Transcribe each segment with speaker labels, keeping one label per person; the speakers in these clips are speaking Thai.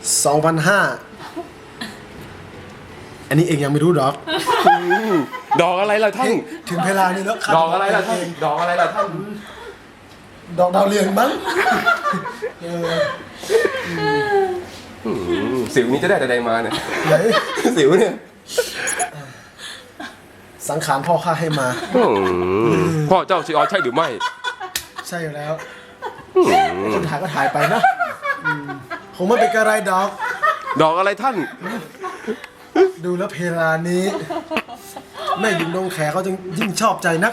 Speaker 1: 2,500อันนี้เองยังไม่รู้ดอก
Speaker 2: ดอกอะไรล่ะท่าน
Speaker 1: ถึงเวลานี้แล้ว
Speaker 2: ดอกอะไรล่ะท่านดอกอะไรล่ะท่าน
Speaker 1: ดอกดาวเรืองมั้ง
Speaker 2: สิวนี้จะได้แต่ใดมาเนี่ย
Speaker 1: ไหน
Speaker 2: สิวเนี่ย
Speaker 1: สังขารพ่อข้าให้มา
Speaker 2: พ่อเจ้าชีออใช่หรือไม่
Speaker 1: ใช่อยู่แล้วคนถ่ายก็ถ่ายไปนะคงไม่เป็นกระไรดอก
Speaker 2: ดอกอะไรท่าน
Speaker 1: ดูแล้วเพลานี้ แม่หญิงดงแขเขาจึงยิ่งชอบใจนัก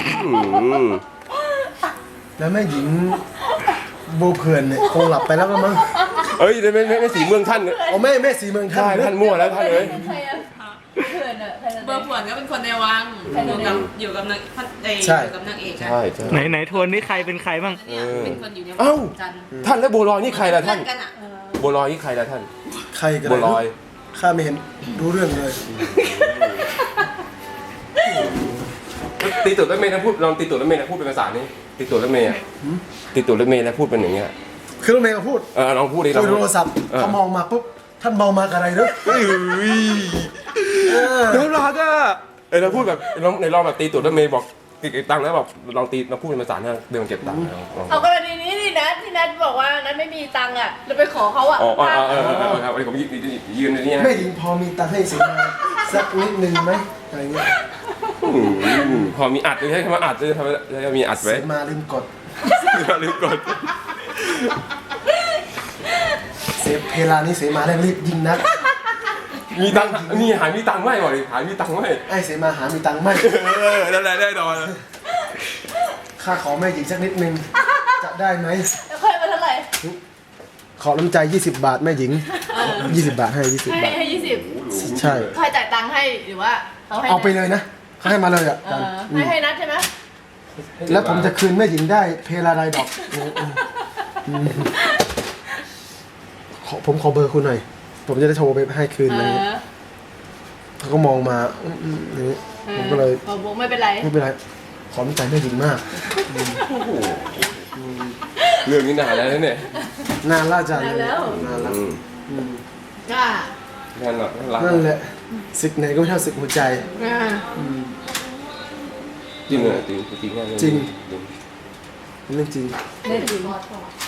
Speaker 1: แล้วแม่หญิงโบเผื่อนเนี่ยคงหลับไปแล้วก็มั้ง
Speaker 2: เอ้ยไม่สีเมืองท่าน
Speaker 1: โอ้แม่สีเมืองท่า
Speaker 2: ใช่
Speaker 1: น
Speaker 2: ท่านมั่วแล้วท่านเอ้ย
Speaker 3: ใครอะเพื่อนอะใครจะ
Speaker 4: เบอร์ผวนก็เป็นคนในวังอยู่กับนางอยู่กับนางเอกนะ
Speaker 2: ใช่ใช่
Speaker 5: ไหนทวนนี่ใครเป็นใครบ้าง
Speaker 4: เนี่ยเป็นคนอยู่ในวั
Speaker 2: เอ้า
Speaker 4: จันทร์
Speaker 2: ท่านแล้วบัวลอยนี่ใครล่ะท่าน
Speaker 4: เพื่อกันอะ
Speaker 2: บัวลอยนี่ใครล่ะท่าน
Speaker 1: ใครกัน
Speaker 2: บัวลอย
Speaker 1: ข้าไม่เห็นรู้เรื่องเลย
Speaker 2: ตีตุ่รถเมย์นะพูดลองตีตุ่รถเมย์นะพูดเป็นภาษานี้ตีตุ่รถเมย์ตีตุ่รถเมย์นะพูดเป็นอย่างเงี้ย
Speaker 1: คือรถเมย์ก็พูด
Speaker 2: ลองพูดดิ
Speaker 1: คุยโทรศัพท์เขามองมาปุ๊บท่านมองมากับอะไรเนอะ
Speaker 2: น่ารักอ่ะเราพูดแบบในลองแบบตีตุ่รถเมย์บอกเก็บตังค์แล้วแบบลองตีเราพูดเป็นภาษาเนี่ยเดินเก็บตังค์
Speaker 3: เอากรณีนี้นี่นะที่นัทบอกว่านัทไม่มีตังค์อะเราไปขอเขาอะ
Speaker 2: ครับวันนี้ผมยืนในนี้
Speaker 1: แม่หญิงพอมีตังค์ให้สิมาสักนิดนึงไหมอะไรเงี้ย
Speaker 2: พอมีอัดด้วยใช่ไหมอัดด้วยทำไมจะมีอัดไว้
Speaker 1: เสมาลืมกด
Speaker 2: ลืมกด
Speaker 1: เสเพลานี้เสมาแรงรีบยิงนัก
Speaker 2: มีตังค์นี่หายมีตังค์ไหมบอกดิหายมีตังค์ไหม
Speaker 1: ไอ้เสมาหามีตังค์ไหม
Speaker 2: นั่นแหละได้ดอน
Speaker 1: ข้าขอแม่หญิงสักนิดนึงจะได้ไหม
Speaker 3: แล้วค่อยมาเท่าไหร่
Speaker 1: ขอน้ำใจ20 บาทแม่หญิง20 บาทให้20 บาท
Speaker 3: ให้20
Speaker 1: ใช่
Speaker 3: ใครจ่ายตังค์ให้หรือว่าเขาให้
Speaker 1: เอาไปเลยนะเขาให้มาเลยอ่ะ
Speaker 3: ให้นัทใช่ไหม
Speaker 1: แล้วผมจะคืนแม่หญิงได้เพลาใดดอกผมขอเบอร์คุณหน่อยผมจะได้โทรไปให้คืนอะไรเงี้ยเขาก็มองมาอย่างนี้ผมก็เลย
Speaker 3: บอกไม่เป็นไร
Speaker 1: ไม่เป็นไรขอน้ำใจแม่หญิงมาก
Speaker 2: เรื่องนี้นานแล้วเนี่ย
Speaker 1: นานล่าจัน
Speaker 3: นานแล้ว
Speaker 1: นานแล้ว
Speaker 3: ก็
Speaker 2: งานหลักรัก
Speaker 1: นั่นแหละศึกไหนก็ไม่เท่าศึกหัวใจ
Speaker 2: จริงเลยจริงจริง
Speaker 1: จริง เรื่องจริง
Speaker 3: ได้จริง